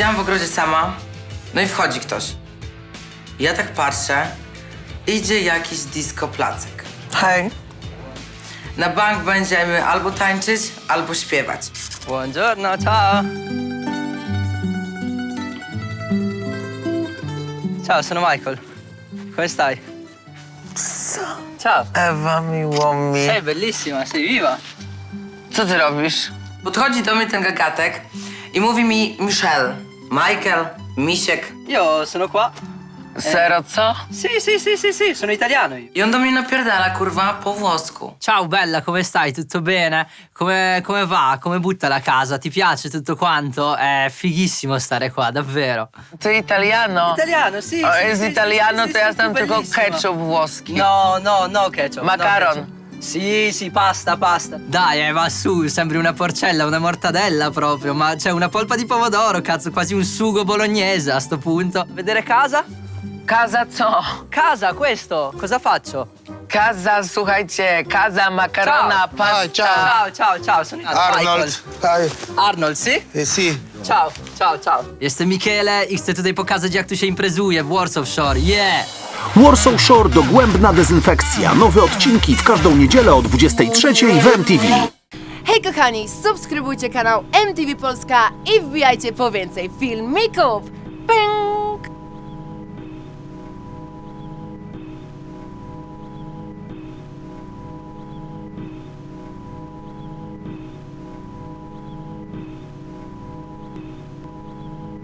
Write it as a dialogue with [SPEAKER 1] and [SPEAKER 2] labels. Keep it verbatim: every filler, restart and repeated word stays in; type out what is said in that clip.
[SPEAKER 1] Siedziałam w ogrodzie sama, no i wchodzi ktoś. Ja tak patrzę, idzie jakiś disco placek.
[SPEAKER 2] Hej.
[SPEAKER 1] Na bank będziemy albo tańczyć, albo śpiewać.
[SPEAKER 3] Buongiorno, ciao. Ciao, sono Michael. Come stai? Ciao.
[SPEAKER 2] Ewa, miło mi.
[SPEAKER 3] Sei bellissima, sei viva.
[SPEAKER 2] Co ty robisz?
[SPEAKER 1] Podchodzi do mnie ten gagatek i mówi mi Michel, Michael, Misiek.
[SPEAKER 3] Io sono qua.
[SPEAKER 2] Sero, co?
[SPEAKER 3] Sì, sì, sì, sì, sì, sono italiano io.
[SPEAKER 1] I on do mnie napierdala, kurwa, po włosku.
[SPEAKER 3] Ciao bella, come stai? Tutto bene? Come, come va? Come butta la casa? Ti piace tutto quanto? È fighissimo stare qua, davvero.
[SPEAKER 2] Ty italiano.
[SPEAKER 3] Italiano, sì.
[SPEAKER 2] O,
[SPEAKER 3] sì,
[SPEAKER 2] jest
[SPEAKER 3] sì,
[SPEAKER 2] italiano,
[SPEAKER 3] sì,
[SPEAKER 2] to
[SPEAKER 3] sì,
[SPEAKER 2] ja
[SPEAKER 3] sì,
[SPEAKER 2] znam tylko
[SPEAKER 3] bellissimo.
[SPEAKER 2] ketchup włoski.
[SPEAKER 3] No, no, no ketchup.
[SPEAKER 2] Macaron.
[SPEAKER 3] No ketchup. Sì, sì, pasta, pasta. Dai, eh, va su, sembri una porcella, una mortadella proprio. Ma c'è una polpa di pomodoro, cazzo, quasi un sugo bolognese a sto punto. Vedere casa?
[SPEAKER 2] Kaza co?
[SPEAKER 3] Casa, questo. Cosa faccio?
[SPEAKER 2] Kaza, słuchajcie, kaza, makarona,
[SPEAKER 3] Ciao.
[SPEAKER 2] pasta.
[SPEAKER 3] Ciao, ciao, ciao, sono
[SPEAKER 4] Arnold,
[SPEAKER 3] Michael.
[SPEAKER 4] hi.
[SPEAKER 3] Arnold, sì?
[SPEAKER 4] Eh, sì.
[SPEAKER 3] Ciao, ciao, ciao. Jestem Michele i chcę tutaj pokazać, jak tu się imprezuje w Warsaw Shore. Yeah!
[SPEAKER 5] Warsaw Shore dogłębna dezynfekcja. Nowe odcinki w każdą niedzielę o dwudziestej trzeciej w M T V.
[SPEAKER 6] Hej kochani, subskrybujcie kanał M T V Polska i wbijajcie po więcej filmików!